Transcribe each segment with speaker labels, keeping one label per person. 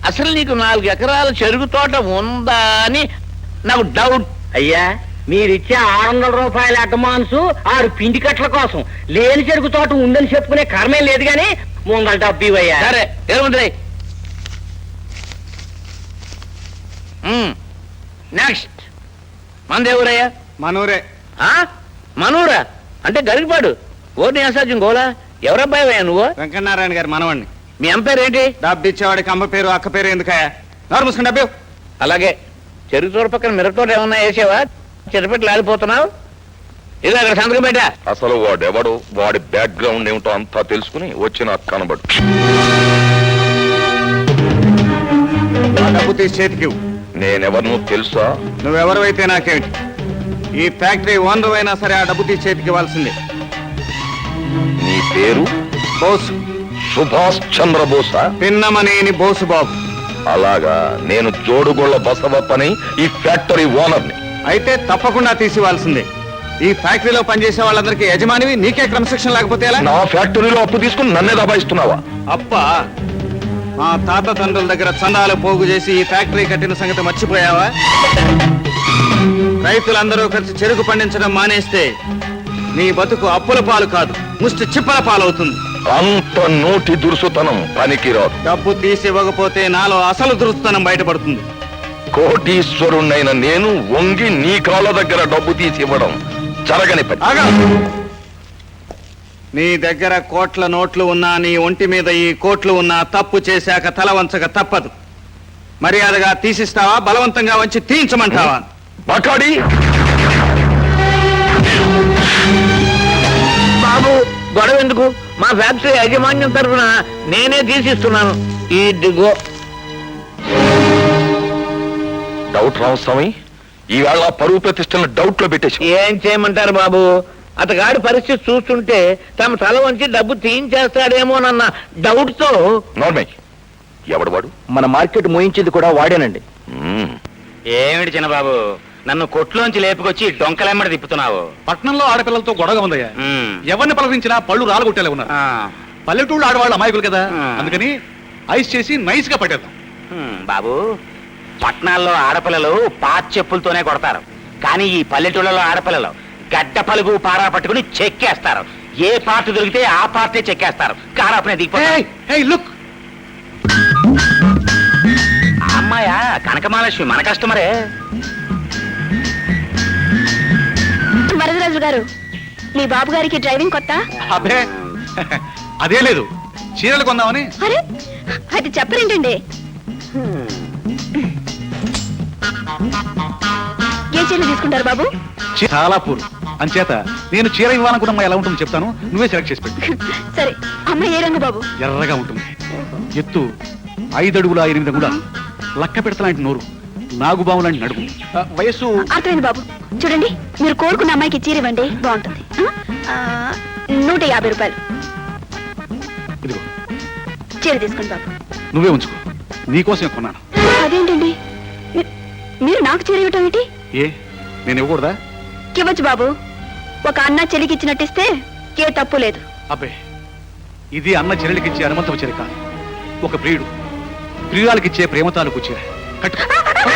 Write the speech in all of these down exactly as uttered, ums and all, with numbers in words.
Speaker 1: అసలు నీకు నాలుగు ఎకరాల చెరుకు తోట ఉందా అని నాకు డౌట్.
Speaker 2: అయ్యా మీరిచ్చే ఆరు వందల రూపాయల అడ్వాన్సు ఆరు పిండి కట్ల కోసం లేని చెరుకు తోట ఉందని చెప్పుకునే కర్మేం లేదు గాని ముందల డబ్బు ఇవ్వయ్యా.
Speaker 1: సరే ఏముంది నెక్స్ట్ మందేవురయ్యా?
Speaker 3: మనూరే.
Speaker 1: మనూరా అంటే గరికపాడు. ఓర్ని అసాధ్యం గోలా. ఎవరబ్బాయివయ్యా నువ్వు?
Speaker 3: వెంకటనారాయణ గారు మనవాణ్ణి.
Speaker 1: మీ అమ్మ పేరు ఏంటి?
Speaker 3: డబ్బు ఇచ్చేవాడికి అమ్మ పేరు అక్క పేరు ఎందుకయ్యా? నోరు మూసుకుని డబ్బు.
Speaker 1: అలాగే చెరుకు తోట పక్కన మిరపతోట ఏమన్నా వేసావా? చెరుపెట్లు ఆడిపోతున్నావు. ఇది అక్కడ సంతకం పెట్టా.
Speaker 4: అసలు వాడెవడు, వాడి బ్యాక్గ్రౌండ్ ఏమిటో అంతా తెలుసుకుని వచ్చిన కనబడు.
Speaker 3: డబ్బు తీసి చేతికి.
Speaker 4: నేనెవరు తెలుసా?
Speaker 3: నువ్వెవరు అయితే నాకేమిటి? ఈ ఫ్యాక్టరీ ఓనర్ అయినా సరే ఆ డబ్బు తీసి చేతికి ఇవ్వాల్సిందే.
Speaker 4: నీ పేరు?
Speaker 3: బోసు.
Speaker 4: సుభాష్ చంద్రబోసా?
Speaker 3: పిన్నమనేని బోసు బాబు.
Speaker 4: అలాగా. నేను జోడుగొళ్ళ బసవప్పని, ఈ ఫ్యాక్టరీ ఓనర్ని.
Speaker 3: అయితే తప్పకుండా తీసివ్వాల్సిందే. ఈ ఫ్యాక్టరీలో పనిచేసే వాళ్ళందరికీ యజమానివి, నీకే క్రమశిక్షణ లేకపోతే ఎలా?
Speaker 4: నా ఫ్యాక్టరీలో అప్పు తీసుకుని నన్నే దబాయిస్తున్నావా?
Speaker 3: అప్పా, మా తాత తండ్రుల దగ్గర చందాలు పోగు చేసి ఈ ఫ్యాక్టరీ కట్టిన సంగతి మర్చిపోయావా? రైతులందరూ కలిసి చెరుకు పండించడం మానేస్తే నీ బతుకు అప్పుల పాలు కాదు, ముష్టి చిప్పల పాలవుతుంది.
Speaker 4: అంత నోటి దురుసుతనం పనికిరాదు.
Speaker 3: డబ్బు తీసి ఇవ్వకపోతే నాలో అసలు దురుసుతనం బయటపడుతుంది.
Speaker 4: కోటీశ్వరుణ్ణైన నేను వంగి నీ కాళ్ళ దగ్గర డబ్బు తీసి ఇవ్వడం జరగని పని.
Speaker 3: ఆగా. నీ దగ్గర కోట్ల నోట్లు ఉన్నా, నీ ఒంటి మీద ఈ కోట్లు ఉన్నా, తప్పు చేశాక తల వంచక తప్పదు. మర్యాదగా తీసిస్తావా, బలవంతంగా వంచి తీయించమంటావా?
Speaker 4: బకాడి
Speaker 1: బాబు గొడవ ఎందుకు? మా ఫ్యాక్టరీ యాజమాన్యం తరఫున నేనే తీసిస్తున్నాను. ఈ దిగో.
Speaker 4: డౌట్ రామస్వామి, ఈవేళ పరువు ప్రతిష్టలను డౌట్ లో పెట్టేసి.
Speaker 1: ఏం చేయమంటారు బాబు? అతగాడి పరిస్థితి చూస్తుంటే తమ తల వంచి డబ్బు తీయించేస్తాడేమోనన్న డౌట్ తో.
Speaker 4: నార్మల్. ఎవడు వాడు?
Speaker 2: మన మార్కెట్ మోయించేది కూడా వాడేనండి.
Speaker 5: ఏమిటి చిన్నబాబు, నన్ను కొట్లోంచి లేపుకొచ్చి డొంకలెమ్మడి తిప్పుతున్నావు?
Speaker 3: పట్నంలో ఆడపిల్లలతో గొడవ ఉందయ్యా. ఎవరిని పలకరించినా పళ్ళు రాలగొట్టేలా ఉన్నారు. పల్లెటూళ్ళు ఆడవాళ్ళు అమాయకులు కదా, అందుకని ఐస్ చేసి నైస్ గా పట్టేద్దాం.
Speaker 5: బాబు, పట్నాల్లో ఆడపిల్లలు పాత చెప్పులతోనే కొడతారు, కానీ ఈ పల్లెటూళ్ళలో ఆడపిల్లలు గడ్డ పలుగు పారా పట్టుకుని చెక్కేస్తారు. ఏ పార్ట్ దొరికితే ఆ పార్టీ చెక్కేస్తారు. కారాపనే దిగిపోయి. అమ్మాయా కనకమహాలక్ష్మి, మన కస్టమరే.
Speaker 6: వరదరాజు గారు, మీ బాబు గారికి డ్రైవింగ్ కొత్త?
Speaker 3: అబ్బే అదే లేదు, చీరలు కొందామని.
Speaker 6: అరే అది చెప్పరేంటండి? ఏ చీరలు తీసుకుంటారు బాబు?
Speaker 3: చాలా పూలు అంచేత నేను చీర ఇవ్వాలనుకున్నా ఎలా ఉంటుందో చెప్తాను, నువ్వే సెలెక్ట్ చేసి పెట్టు.
Speaker 6: సరే, అమ్మ ఏ రంగు బాబు?
Speaker 3: ఎర్రగా ఉంటుంది. ఎత్తు ఐదడుగుల ఎనిమిది కూడా, లక్క పెడతలాంటి నోరు, నాగుబాము లాంటి నడుము, వయస్సు.
Speaker 6: అర్థమైంది బాబు. చూడండి, మీరు కోరుకున్న అమ్మాయికి చీర ఇవ్వండి, బాగుంటుంది. నూట యాభై రూపాయలు.
Speaker 3: ఇదిగో
Speaker 6: చీర తీసుకోండి బాబు.
Speaker 3: నువ్వే ఉంచుకో, నీకోసమే కొన్నాను.
Speaker 6: అదేంటండి, మీ- మీరు నాకు చీర ఇవ్వటం ఏంటి?
Speaker 3: ఏ నేను ఇవ్వకూడదా?
Speaker 6: ఇవ్వచ్చు బాబు. ఒక అన్న చెల్లికి ఇచ్చినట్టిస్తే ఏ తప్పు లేదు.
Speaker 3: అబ్బే, ఇది అన్న చెల్లెలికి ఇచ్చే అనుమతం చీర కాదు, ఒక ప్రియుడు ప్రియురాలకి ఇచ్చే ప్రేమ తాలూకు చీర. కట్టు.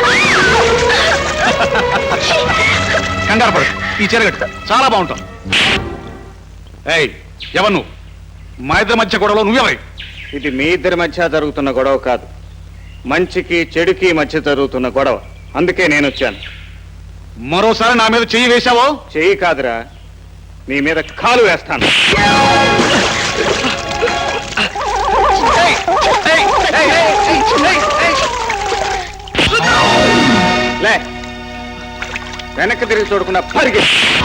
Speaker 3: కంగారు పడు, ఈ చీర కట్టు, చాలా బాగుంటావు. ఏయ్, ఎవరు నువ్వు? మా ఇద్దరి మధ్య గొడవలో నువ్వెవరి? ఇది మీ ఇద్దరి మధ్య జరుగుతున్న గొడవ కాదు, మంచికి చెడుకి మధ్య జరుగుతున్న గొడవ. అందుకే నేను వచ్చాను. మరోసారి నా మీద చెయ్యి వేశావో? చెయ్యి కాదురా, నీ మీద కాలు వేస్తాను. లే, వెనక్కి తిరిగి చూడకుండా పరిగె.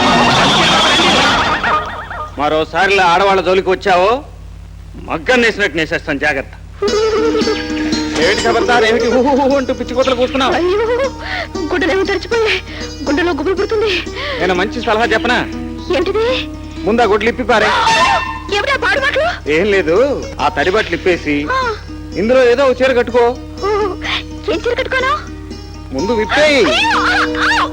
Speaker 3: మరోసారిలా ఆడవాళ్ళ జోలికి వచ్చావో మగ్గం నేసినట్టు నేసేస్తాను, జాగ్రత్త. ఏమిటి ఖబర్దార్, ఏమిటి ఊహు అంటూ పిచ్చి కూతలు కూస్తున్నావు?
Speaker 6: గుడ్డలేమో తెరిచిపోయి గుడ్డలో గుబులు పుడుతుంది.
Speaker 3: నేను మంచి సలహా చెప్పనా?
Speaker 6: ఏమిటిది?
Speaker 3: ముందా గుడ్లు ఇప్పి పారే.
Speaker 6: ఏమిటా పాడు మాటలు?
Speaker 3: ఏం లేదు, ఆ తడి బట్టలు ఇప్పేసి ఇందులో ఏదో ఒక చీర కట్టుకో.
Speaker 6: ఏం చీర కట్టుకోను?
Speaker 3: ముందు విప్పేయి.